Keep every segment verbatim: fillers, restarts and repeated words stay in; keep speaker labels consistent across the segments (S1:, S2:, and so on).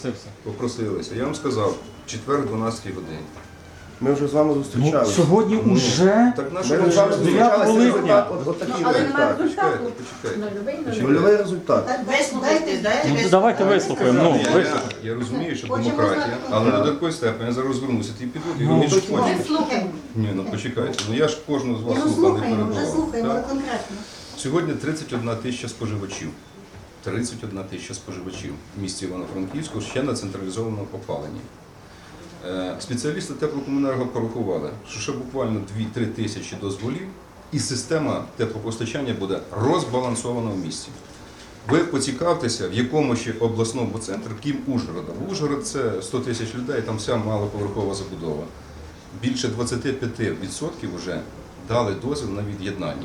S1: Попросилися. Я вам сказав, четвер, дванадцята година.
S2: Ми вже з вами зустрічалися.
S3: Ну, сьогодні
S1: Ну,
S3: вже
S1: Так наш
S2: Ми вже з вами зустрічалися, результат от, от такий
S4: Але
S2: результат.
S4: немає
S1: Почекайте,
S4: результату.
S1: почекайте.
S2: Нульовий результат.
S4: Вислухайте,
S3: Ну,
S4: дайте.
S3: давайте вислухаємо. Ну,
S1: Ні, я,
S3: вислухаємо.
S1: я розумію, що
S4: Хочемо
S1: демократія,
S4: знати.
S1: але до такої степені я зараз розвернуся, ти піду, і
S3: Ну,
S1: вони ж
S2: так,
S1: хочуть.
S4: Ми слухаємо.
S1: Ні, ну почекайте, ну я ж кожного з вас
S4: Ну,
S1: слухав, не
S4: слухаємо, вже
S1: перебував.
S4: слухаємо, але
S1: Так?
S4: конкретно.
S1: Сьогодні тридцять одна тисяча споживачів. тридцять одна тисяча споживачів в місті Івано-Франківську ще на централізованому опаленні. Е, Спеціалісти теплокомуненерго порахували, що ще буквально дві-три тисячі дозволів і система теплопостачання буде розбалансована в місті. Ви поцікавтеся, в якому ще обласному центрі, крім Ужгорода. Ужгород – це сто тисяч людей, там вся малоповерхова забудова. Більше двадцять п'ять відсотків вже дали дозвіл на від'єднання.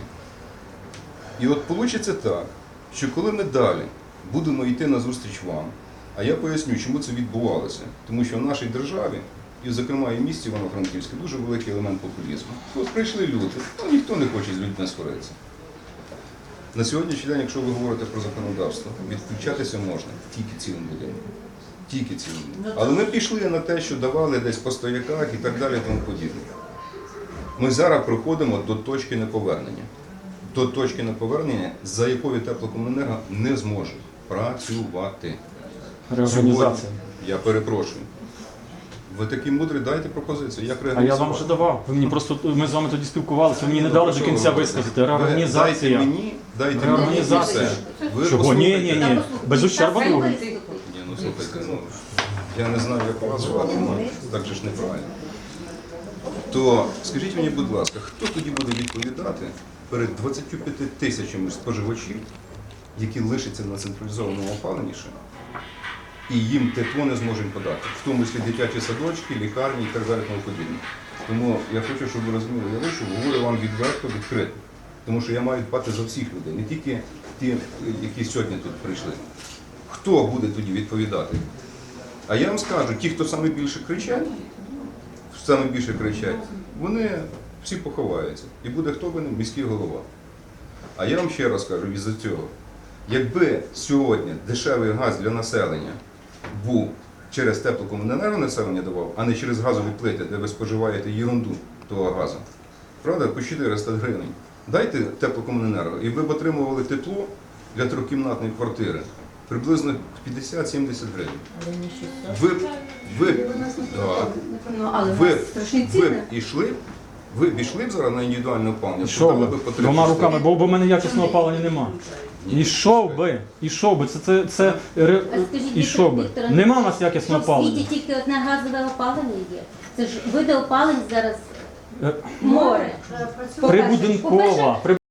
S1: І от вийде так, що коли ми далі будемо йти на зустріч вам, а я поясню, чому це відбувалося. Тому що в нашій державі, і зокрема і в місті Івано-Франківське, дуже великий елемент популізму. От прийшли люди, ну ніхто не хоче з людьми сваритися. На сьогоднішній день, якщо ви говорите про законодавство, відключатися можна тільки цілим будинком. Тільки цілим будинком. Але ми пішли на те, що давали десь по стояках і так далі, тому подібне. Ми зараз приходимо до точки неповернення. До точки неповернення, за якою теплокомуненерго не зможе працювати.
S3: Реорганізація.
S1: Сьогодні, я перепрошую. Ви такі мудрі, дайте пропозицію. Як
S3: А я
S1: реорганізувати?
S3: вам вже давав. Ви мені просто ми з вами тоді спілкувалися, ви мені не
S1: Ну,
S3: дали
S1: про
S3: до
S1: що
S3: кінця
S1: ви
S3: висказати.
S1: говорите?
S3: Реорганізація.
S1: Ви Дайте мені, дайте мені і
S3: Реорганізація.
S1: все. Ви
S3: Чого? Ні, ні,
S1: послухайте.
S3: ні. Без ущерба другим.
S1: Ні, ну слухайте, ну, я не знаю, як вас звати, ну, так же ж неправильно. То скажіть мені, будь ласка, хто тоді буде відповідати перед двадцятьма п'ятьма тисячами споживачів, які лишаться на централізованому опаленні ще, і їм тепло не зможемо подати, в тому числі дитячі садочки, лікарні і так далі тому подібне. Тому я хочу, щоб ви розуміли, я вийшов, говорю вам відверто, відкрито. Тому що я маю дбати за всіх людей, не тільки ті, які сьогодні тут прийшли. Хто буде тоді відповідати? А я вам скажу, ті, хто саме більше кричать, саме більше кричать, вони всі поховаються. І буде хто винен? Міський голова. А я вам ще раз кажу із-за цього. Якби сьогодні дешевий газ для населення був через теплокомуненерго населення давав, а не через газові плити, де ви споживаєте єрунду того газу, правда, по чотириста гривень. Дайте теплокомуненерго, і ви б отримували тепло для трьохкімнатної квартири приблизно п'ятдесят-сімдесят гривень. Ви, ви, так,
S4: Ну, але в
S1: ви,
S4: нас страшні
S1: ви
S4: ціни.
S1: б ішли, ви б ішли б зараз на індивідуальне опалення,
S3: Що
S1: подали
S3: ви?
S1: би по три
S3: Двома
S1: шести.
S3: руками, бо, бо в мене якісного опалення нема. Ішов би, ішов би, це, це, це, ре-
S5: А скажіть,
S3: ішов би.
S5: Віктор,
S3: Нема в нас якісного
S5: що в світі
S3: опалення.
S5: тільки одне газове опалення є. Це ж види опалень зараз
S3: Е,
S5: море.
S3: Прибудинкова.